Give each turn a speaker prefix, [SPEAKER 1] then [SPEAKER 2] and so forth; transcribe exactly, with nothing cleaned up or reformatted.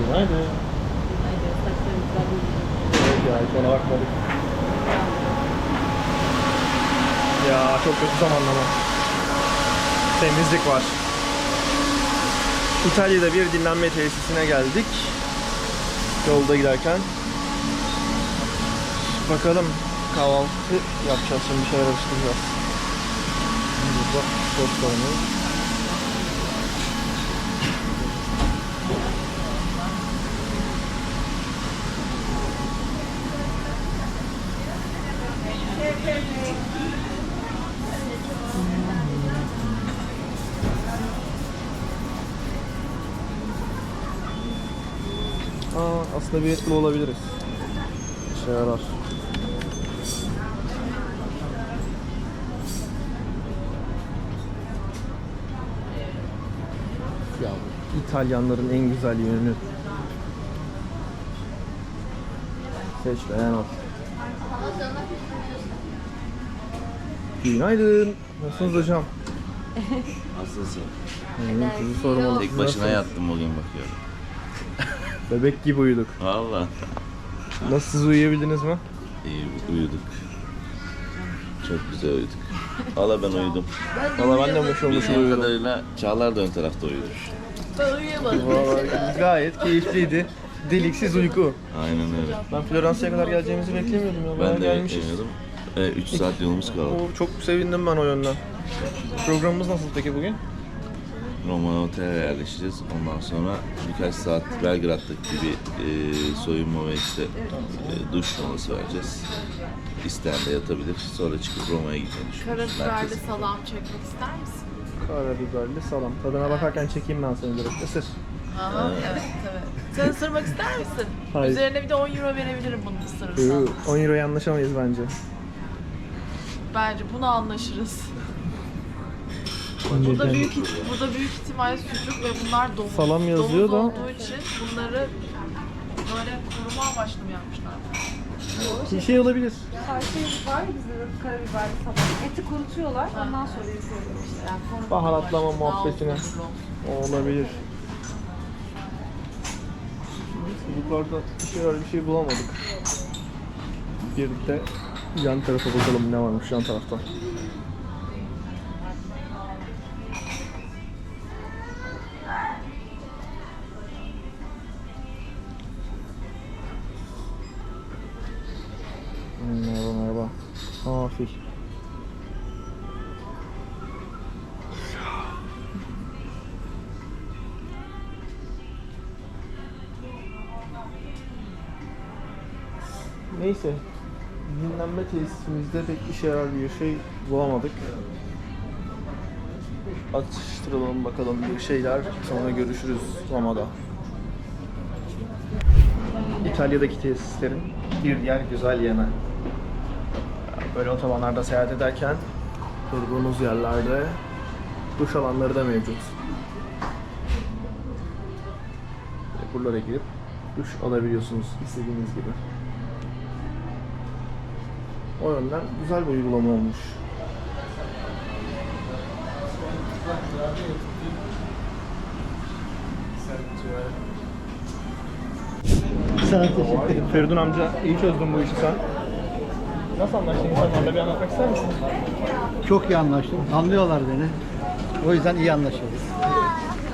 [SPEAKER 1] Günaydın.
[SPEAKER 2] Haydi saçlarımızdan
[SPEAKER 1] Evet ya hiç ona bakmadık. Ya çok kötü zamanlama. Temizlik var. İtalya'da bir dinlenme tesisine geldik. Yolda giderken. Bakalım kahvaltı yapacağız şimdi, bir şeyler atıştıracağız. Burada tostlarımız. Aa, aslında bir etli olabiliriz. İşe yarar. Ya İtalyanların en güzel yönü. Seç beğen al. Günaydın. Nasılsınız hocam?
[SPEAKER 3] Nasılsın?
[SPEAKER 1] İyiyim, sizi sormalı.
[SPEAKER 3] Tek başına yattım bugün bakıyorum.
[SPEAKER 1] Bebek gibi uyuduk.
[SPEAKER 3] Valla.
[SPEAKER 1] Nasıl, siz uyuyabildiniz mi?
[SPEAKER 3] İyi uyuduk. Çok güzel uyuduk. Valla ben uyudum.
[SPEAKER 1] Valla ben de mışıl mışıl
[SPEAKER 3] Bildiğim
[SPEAKER 1] uyudum.
[SPEAKER 3] kadarıyla Çağlar da ön tarafta uyumuş.
[SPEAKER 2] Ben uyuyamadım.
[SPEAKER 1] Vallahi gayet keyifliydi. Deliksiz uyku.
[SPEAKER 3] Aynen öyle.
[SPEAKER 1] Ben Floransa'ya kadar geleceğimizi beklemiyordum ya. Bayağı
[SPEAKER 3] Ben de
[SPEAKER 1] gelmişiz.
[SPEAKER 3] beklemiyordum. üç saat yolumuz kaldı.
[SPEAKER 1] Oo, çok sevindim ben o yönden. Programımız nasıl peki bugün?
[SPEAKER 3] Roma otele yerleşeceğiz. Ondan sonra birkaç saat Belgrad'daki bir e, soyunma ve işte e, duş molası vereceğiz. İsteyen de yatabilir. Sonra çıkıp Roma'ya gitmeyi düşünüyoruz.
[SPEAKER 2] Karabiberli salam çekmek ister misin?
[SPEAKER 1] Karabiberli salam. Tadına bakarken çekeyim ben seni direkt. Isır.
[SPEAKER 2] Aha, evet evet. Sen ısırmak ister misin?
[SPEAKER 1] Hayır.
[SPEAKER 2] Üzerine bir de on euro verebilirim bunu ısırırsan.
[SPEAKER 1] Ee, on euroya anlaşamayız bence.
[SPEAKER 2] Bence bunu anlaşırız. Burada büyük burada büyük ihtimal sucuk ve bunlar domuz.
[SPEAKER 1] Salam yazıyor
[SPEAKER 2] domuz
[SPEAKER 1] da-
[SPEAKER 2] olduğu için bunları böyle koruma amaçlı mı yapmışlar?
[SPEAKER 1] Bir şey olabilir.
[SPEAKER 4] Şey var ya bizde de karabiberli salam. Eti kurutuyorlar, ondan sonra yapıyorlar işte. Yani koruma
[SPEAKER 1] Baharatlama
[SPEAKER 4] amaçlı.
[SPEAKER 1] muhabbetine.
[SPEAKER 2] Daha uzun olsun.
[SPEAKER 1] Olabilir. Çocuklarda bir şey var, bir şey bulamadık. Bir de yan tarafa bakalım ne varmış yan tarafta. Merhaba merhaba. Aa fil. Neyse. Dinlenme tesisimizde pek işe yarar bir şey bulamadık. Atıştıralım bakalım bir şeyler. Sonra görüşürüz Roma'da. İtalya'daki tesislerin bir diğer güzel yanı. Böyle otobanlarda seyahat ederken durduğunuz yerlerde duş alanları da mevcut. Buralara girip duş alabiliyorsunuz istediğiniz gibi. O yönden güzel bir uygulama olmuş.
[SPEAKER 5] Sana teşekkür ederim.
[SPEAKER 1] Feridun amca iyi çözdün bu işi sen. Nasıl anlaştın insanlarla, bir anlatmak ister misin?
[SPEAKER 5] Çok iyi anlaştım. Anlıyorlar beni. O yüzden iyi anlaşıyoruz.